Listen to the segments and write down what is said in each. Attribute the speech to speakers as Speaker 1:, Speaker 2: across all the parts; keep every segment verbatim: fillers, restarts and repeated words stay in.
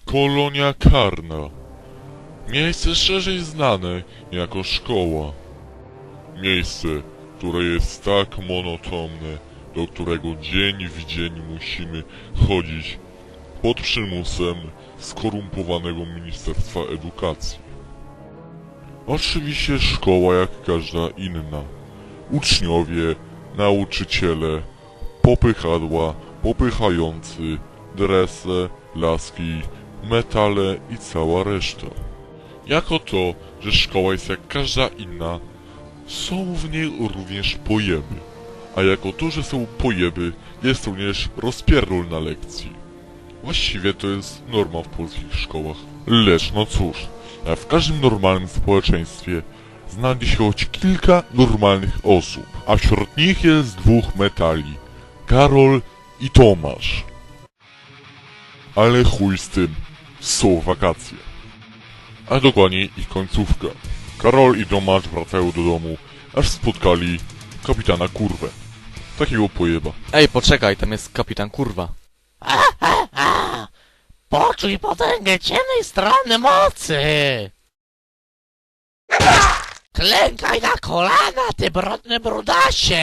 Speaker 1: Kolonia karna. Miejsce szerzej znane jako szkoła. Miejsce, które jest tak monotonne, do którego dzień w dzień musimy chodzić pod przymusem skorumpowanego Ministerstwa Edukacji. Oczywiście szkoła jak każda inna. Uczniowie, nauczyciele, popychadła, popychający, drese, laski, metale i cała reszta. Jako to, że szkoła jest jak każda inna, są w niej również pojeby. A jako to, że są pojeby, jest również rozpierdol na lekcji. Właściwie to jest norma w polskich szkołach. Lecz no cóż, jak w każdym normalnym społeczeństwie znajdzie się choć kilka normalnych osób, a wśród nich jest dwóch metali. Karol i Tomasz. Ale chuj z tym, są wakacje. A dokładniej ich końcówka. Karol i Tomasz wracają do domu, aż spotkali kapitana Kurwę. Takiego pojeba.
Speaker 2: Ej, poczekaj, tam jest kapitan Kurwa.
Speaker 3: A, a, a. Poczuj potęgę ciemnej strony mocy! Klękaj na kolana, ty brudny brudasie!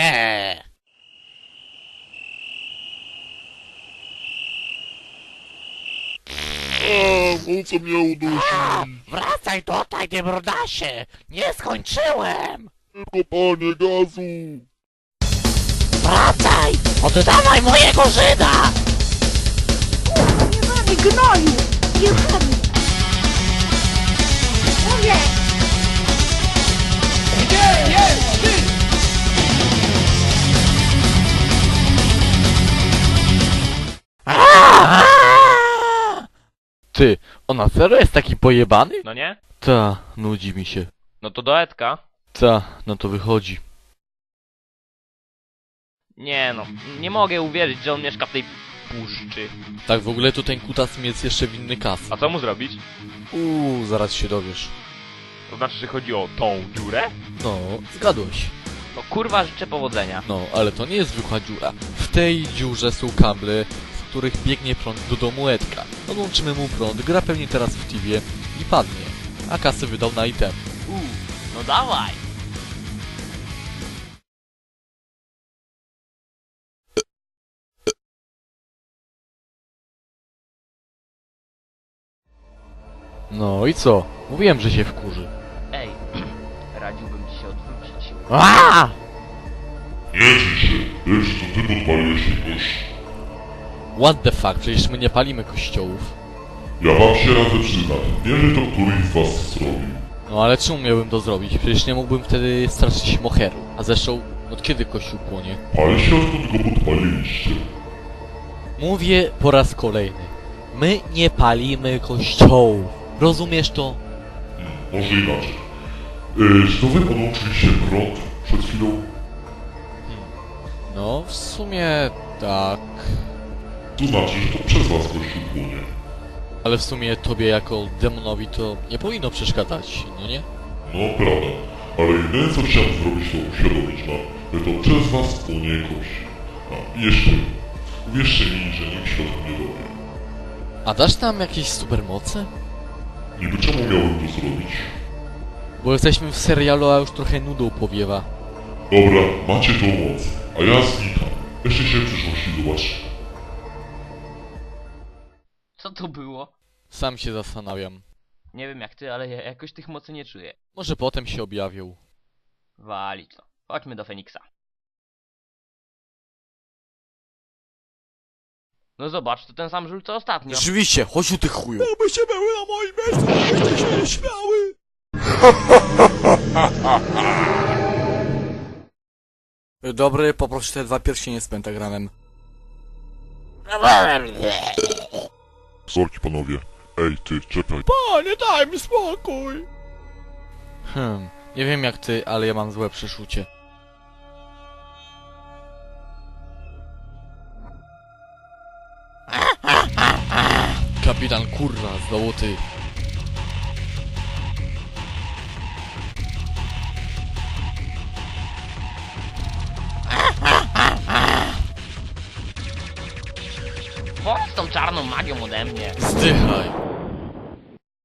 Speaker 1: Eee, o co mnie udusi?
Speaker 3: A, wracaj tutaj, ty brudasie! Nie skończyłem!
Speaker 1: Tylko panie gazu!
Speaker 3: Wracaj! Oddawaj mojego Żyda!
Speaker 4: Jebany gnoju! Jebany! Mówię!
Speaker 3: Gdzie jest ty?
Speaker 2: Ty, ona serio jest taki pojebany?
Speaker 5: No nie?
Speaker 2: Ta, nudzi mi się.
Speaker 5: No to do Edka.
Speaker 2: Ta, no to wychodzi.
Speaker 5: Nie no, nie mogę uwierzyć, że on mieszka w tej puszczy.
Speaker 2: Tak w ogóle to ten kutas mi jest jeszcze winny kas.
Speaker 5: A co mu zrobić?
Speaker 2: Uuu, zaraz się dowiesz.
Speaker 5: To znaczy, że chodzi o tą dziurę?
Speaker 2: No, zgadłeś.
Speaker 5: No kurwa, życzę powodzenia.
Speaker 2: No, ale to nie jest zwykła dziura. W tej dziurze są kable, z których biegnie prąd do domu Edka. Odłączymy mu prąd, gra pewnie teraz w Tivie i padnie. A kasy wydał na item.
Speaker 5: Uuu, no dawaj.
Speaker 2: No i co? Mówiłem, że się wkurzy.
Speaker 5: Ej, radziłbym ci się odwrócić.
Speaker 3: A!
Speaker 1: Nie drzyj się, lecz to ty podpaliłeś mi kość.
Speaker 2: What the fuck, przecież my nie palimy kościołów.
Speaker 1: Ja wam się radzę przyznać, nie wiem to któryś z was zrobił.
Speaker 2: No ale czemu miałbym to zrobić? Przecież nie mógłbym wtedy straszyć moheru. A zresztą, od kiedy kościół płonie?
Speaker 1: Pali się odkąd go podpaliliście.
Speaker 2: Mówię po raz kolejny. My nie palimy kościołów. Rozumiesz to?
Speaker 1: Hmm, może inaczej. Yy, czy to wy podłączyliście prąd przed chwilą?
Speaker 2: No, w sumie tak.
Speaker 1: To znaczy, że to przez was kościół płonie.
Speaker 2: Ale w sumie tobie jako demonowi to nie powinno przeszkadzać, no nie?
Speaker 1: No prawda, ale jedyne co chciałem zrobić to uświadomić wam, że to przez was płonie kość. A i jeszcze, uwierzcie mi, że nikt się o tym nie dowie.
Speaker 2: A dasz nam jakieś supermoce?
Speaker 1: Niby czemu miałem to zrobić?
Speaker 2: Bo jesteśmy w serialu, a już trochę nudą powiewa.
Speaker 1: Dobra, macie tą moc, a ja znikam. Jeszcze się w przyszłości zobaczymy.
Speaker 5: Co to było?
Speaker 2: Sam się zastanawiam.
Speaker 5: Nie wiem jak ty, ale ja jakoś tych mocy nie czuję.
Speaker 2: Może potem się objawią.
Speaker 5: Walić to. Chodźmy do Feniksa. No zobacz, to ten sam żul co ostatnio.
Speaker 2: Rzeczywiście, chodź u tych chuju.
Speaker 3: By się były na moim miejscu, byście się nie śmiały!
Speaker 2: Dobry, poproszę te dwa pierścienie z pentagramem.
Speaker 1: Sorki panowie. Ej ty, czekaj.
Speaker 3: Panie, daj mi spokój!
Speaker 2: Hmm, nie wiem jak ty, ale ja mam złe przeczucie. Kapitan Kurwa, znowu ty.
Speaker 5: Chodź z tą czarną magią ode mnie.
Speaker 2: Zdychaj.